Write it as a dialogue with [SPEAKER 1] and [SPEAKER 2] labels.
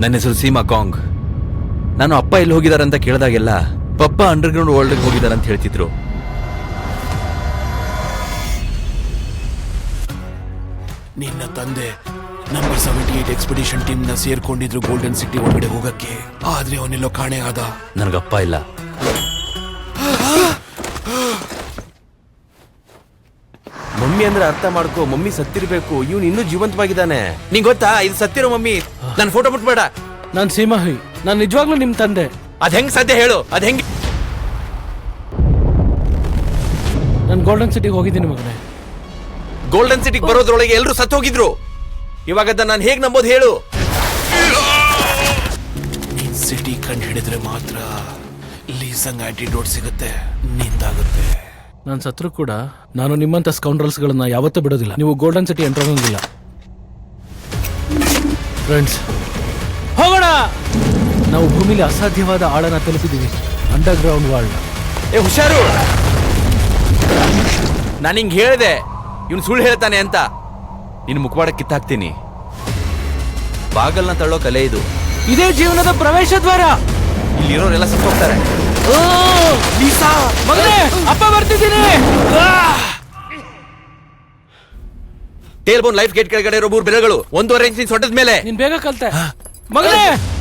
[SPEAKER 1] ನನ್ನ ಹೆಸರು ಸೀಮಾ ಕಾಂಗ್. ನಾನು ಅಪ್ಪ ಎಲ್ಲಿ ಹೋಗಿದಾರಂತ ಕೇಳಿದಾಗೆಲ್ಲ ಪಪ್ಪ ಅಂಡರ್ಗ್ರೌಂಡ್ ವರ್ಲ್ಡ್ಗೆ ಹೋಗಿದಾರಂತ ಹೇಳ್ತಿದ್ರು.
[SPEAKER 2] ನಿನ್ನ ತಂದೆ ನಂಬರ್ 78 ಎಕ್ಸ್ಪಿಡಿಷನ್ ಟೀಮ್ ನ ಸೇರ್ಕೊಂಡಿದ್ರು ಗೋಲ್ಡನ್ ಸಿಟಿ ಒಳಗಡೆ ಹೋಗಕ್ಕೆ. ಆದ್ರೆ ಅವನೆಲ್ಲೋ ಕಾಣೆ ಆದ.
[SPEAKER 1] ನನಗಪ್ಪ ಇಲ್ಲ.
[SPEAKER 3] ಮಮ್ಮಿ ಅಂದ್ರೆ ಅರ್ಥ ಮಾಡ್ಕೋ, ಮಮ್ಮಿ ಸತ್ತಿರ್ಬೇಕು, ಇವನು ಇನ್ನೂ ಜೀವಂತವಾಗಿದ್ದಾನೆ. ನಿಂಗೆ ಗೊತ್ತಾ ಇದು ಸತ್ತಿರೋ ಮಮ್ಮಿ? ನನ್ನ ಫೋಟೋ ಮುಟ್ಬೇಡ.
[SPEAKER 4] ನಾನ್ ಸೀಮಾ ಹುಯಿ, ನಾನ್ ನಿಜವಾಗ್ಲೂ ನಿಮ್ ತಂದೆ.
[SPEAKER 3] ಅದ್ ಹೆಂಗ್ ಸಾಧ್ಯ ಹೇಳು? ಅದ್ ಹೆಂಗ್?
[SPEAKER 4] ನಾನು ಗೋಲ್ಡನ್ ಸಿಟಿಗೆ ಹೋಗಿದ್ದೀನಿ ಮಗನೇ.
[SPEAKER 3] ಗೋಲ್ಡನ್ ಸಿಟಿಗೆ ಬರೋದ್ರೊಳಗೆ ಎಲ್ಲರೂ ಸತ್ತು ಹೋಗಿದ್ರು. ಇವಾಗ ನಾನು ಹೇಗ್ ನಂಬೋದು ಹೇಳು?
[SPEAKER 2] ನೀನ್ ಸಿಟಿ ಕಂಡು ಹಿಡಿದ್ರೆ ಮಾತ್ರ ಲೀಸಂಗ್ ಆಂಟಿಡೋಟ್ ಸಿಗುತ್ತೆ, ನಿಂದಾಗುತ್ತೆ.
[SPEAKER 4] ನಾನು ಸತ್ರು ಕೂಡ ನಾನು ನಿಮ್ಮಂತ ಸ್ಕೌಂಡ್ರಲ್ಸ್ ಗಳನ್ನ ಯಾವತ್ತೂ ಬಿಡೋದಿಲ್ಲ. ನೀವು ಗೋಲ್ಡನ್ ಸಿಟಿ ಎಂಟರ್ ಆಗೋಂಗಿಲ್ಲ. ಫ್ರೆಂಡ್ಸ್, ಹೋಗೋಣ. ನಾವು ಭೂಮಿಲಿ ಅಸಾಧ್ಯವಾದ ಆಳನ ತಲುಪಿದ್ದೀವಿ, ಅಂಡರ್ ಗ್ರೌಂಡ್ ವರ್ಲ್ಡ್.
[SPEAKER 3] ಏ ಹುಷಾರು, ನಾನು ಹಿಂಗ್ ಹೇಳಿದೆ ಇವನು ಸುಳ್ಳು ಹೇಳ್ತಾನೆ ಅಂತ.
[SPEAKER 1] ನಿನ್ನ ಮುಖವಾಡ ಕಿತ್ತಾಕ್ತೀನಿ. ಬಾಗಲ್ನ ತಳ್ಳೋ ಕಲೆ ಇದು.
[SPEAKER 4] ಇದೇ ಜೀವನದ ಪ್ರವೇಶ ದ್ವಾರ.
[SPEAKER 3] ಇಲ್ಲಿರೋರೆಲ್ಲ ಸತ್ತು ಹೋಗ್ತಾರೆ.
[SPEAKER 4] ಮಗನೇ, ಅಪ್ಪ ಬರ್ತಿದ್ದೀನಿ.
[SPEAKER 3] ಟೇಲ್ ಬೋನ್ ಲೈಫ್ ಗೇಟ್ ಕೆಳಗಡೆ ಇರೋ 3 ಬೆರಗಳು 1.5 ಇಂಚಿನ ಸೊಂಟದ ಮೇಲೆ.
[SPEAKER 4] ನೀನ್ ಬೇಗ ಕಲ್ತೆ ಮಗನೇ.